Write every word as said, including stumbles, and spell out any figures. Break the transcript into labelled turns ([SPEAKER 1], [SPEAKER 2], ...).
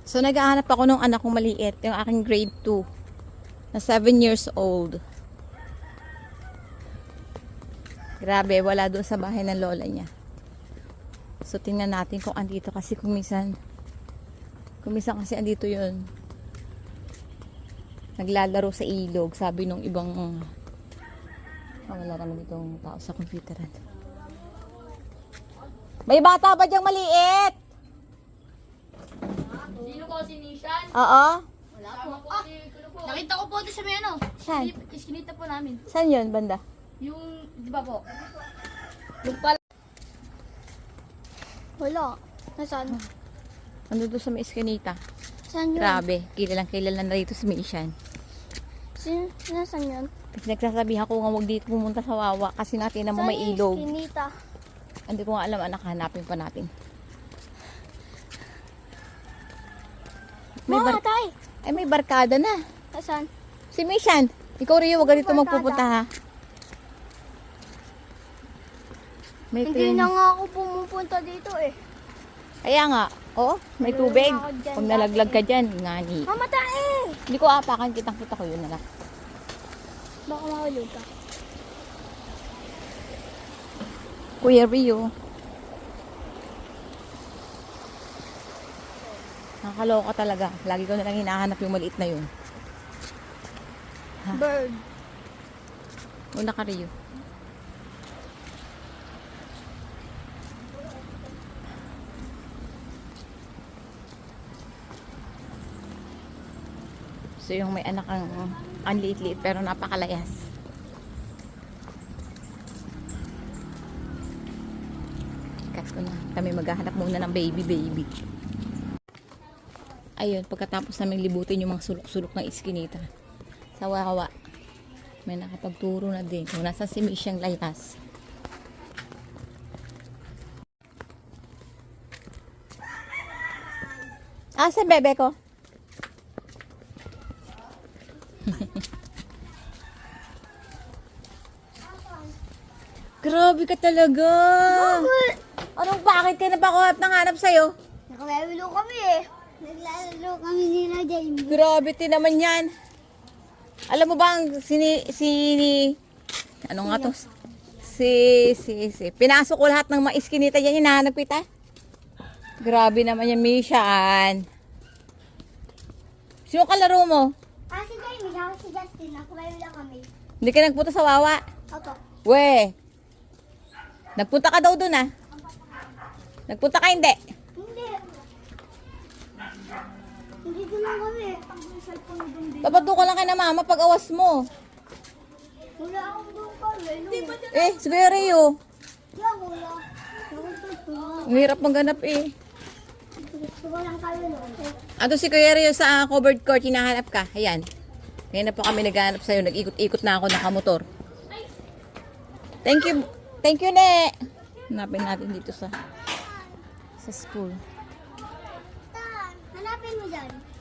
[SPEAKER 1] So, naghahanap ako ng anak kong maliit. Yung aking grade two. Na seven years old. Grabe, wala doon sa bahay ng lola niya. So, tingnan natin kung andito. Kasi kung minsan, kung minsan kasi andito yun. Naglalaro sa ilog. Sabi nung ibang, oh, wala naman itong tao sa computeran. May bata ba diyang maliit?
[SPEAKER 2] Sino po si Nishan?
[SPEAKER 1] Oo.
[SPEAKER 2] Wala po. Ah, nakita ko po ito sa may ano.
[SPEAKER 1] Saan?
[SPEAKER 2] Iskinita po namin.
[SPEAKER 1] Saan yun, banda?
[SPEAKER 2] Yung, di ba po? Yung pala.
[SPEAKER 3] Wala. Nasaan?
[SPEAKER 1] Ando doon sa may eskinita.
[SPEAKER 3] Saan yun?
[SPEAKER 1] Grabe, kilalang kilala na rito sa Mission.
[SPEAKER 3] Sin nasaan yun?
[SPEAKER 1] Kasi nagsasabihan ko nga huwag dito pumunta sa Wawa kasi natin naman may
[SPEAKER 3] Saan yung
[SPEAKER 1] ilog.
[SPEAKER 3] Kinita.
[SPEAKER 1] Hindi ko nga alam, anak, hanapin pa natin. May
[SPEAKER 3] Mga
[SPEAKER 1] bar
[SPEAKER 3] tay!
[SPEAKER 1] Ay, may barkada na.
[SPEAKER 3] Nasaan?
[SPEAKER 1] Si Mission, ikaw rin huwag dito
[SPEAKER 3] barkada?
[SPEAKER 1] magpupunta ha. May
[SPEAKER 3] Hindi
[SPEAKER 1] train.
[SPEAKER 3] na nga ako pumupunta dito eh.
[SPEAKER 1] Kaya nga, oh, may
[SPEAKER 3] Meron
[SPEAKER 1] tubig.
[SPEAKER 3] ako dyan
[SPEAKER 1] Kung nalaglag
[SPEAKER 3] dati
[SPEAKER 1] ka dyan, ngani.
[SPEAKER 3] Mamatay eh!
[SPEAKER 1] Hindi ko apakan, kitang-kita ko yun na lang.
[SPEAKER 3] Baka mahulog ka.
[SPEAKER 1] Kuya Rio. Nakakaloka talaga. Lagi ko na lang hinahanap yung maliit na yun. Ha?
[SPEAKER 3] Bird.
[SPEAKER 1] Una ka, Rio. So yung may anak ang ang liit-liit pero napakalayas. Cut ko na. Kami maghahanap muna ng baby baby. Ayun, pagkatapos namin libutin yung mga sulok-sulok ng iskinita. Sa Wawa. May nakapagturo na din. Kung nasa si Misyang layas. Ah, sa bebe ko. Grabe ka talaga. Anong bakit ka na pa ako ng hanap sa'yo?
[SPEAKER 3] Nakalalo kami eh. Naglalaro kami ni na Jamie.
[SPEAKER 1] Grabe ti naman yan. Alam mo ba ang sini, sini, ano nga to? Si, si, si. Pinasok ko lahat ng mga iskinita yan. Hinahanap kita. Grabe naman yan, Mishan. Sino kalaro mo?
[SPEAKER 3] Ah, si Jamie. Ako si Justin. Nakalalo kami.
[SPEAKER 1] Hindi ka nagpunta sa Wawa?
[SPEAKER 3] Opo.
[SPEAKER 1] We. Nagpunta ka daw dun ah. Nagpunta ka hindi?
[SPEAKER 3] Hindi. Hindi ko lang kami. Ang cellphone doon din.
[SPEAKER 1] Babado ka lang kay na mama pag awas mo.
[SPEAKER 3] Wala akong doon kami.
[SPEAKER 1] Eh, si Kuya Rio.
[SPEAKER 3] Wala, wala. Wala.
[SPEAKER 1] Ang hirap maghanap eh.
[SPEAKER 3] Gusto ko lang kami noon.
[SPEAKER 1] Ato si Kuya Rio sa covered court, hinahanap ka. Ayan. Ngayon na po kami naghahanap sa'yo. Nag-ikot-ikot na ako nakamotor. Thank you. Thank you, Ne. Hanapin natin dito sa sa school.
[SPEAKER 3] Hanapin mo dyan.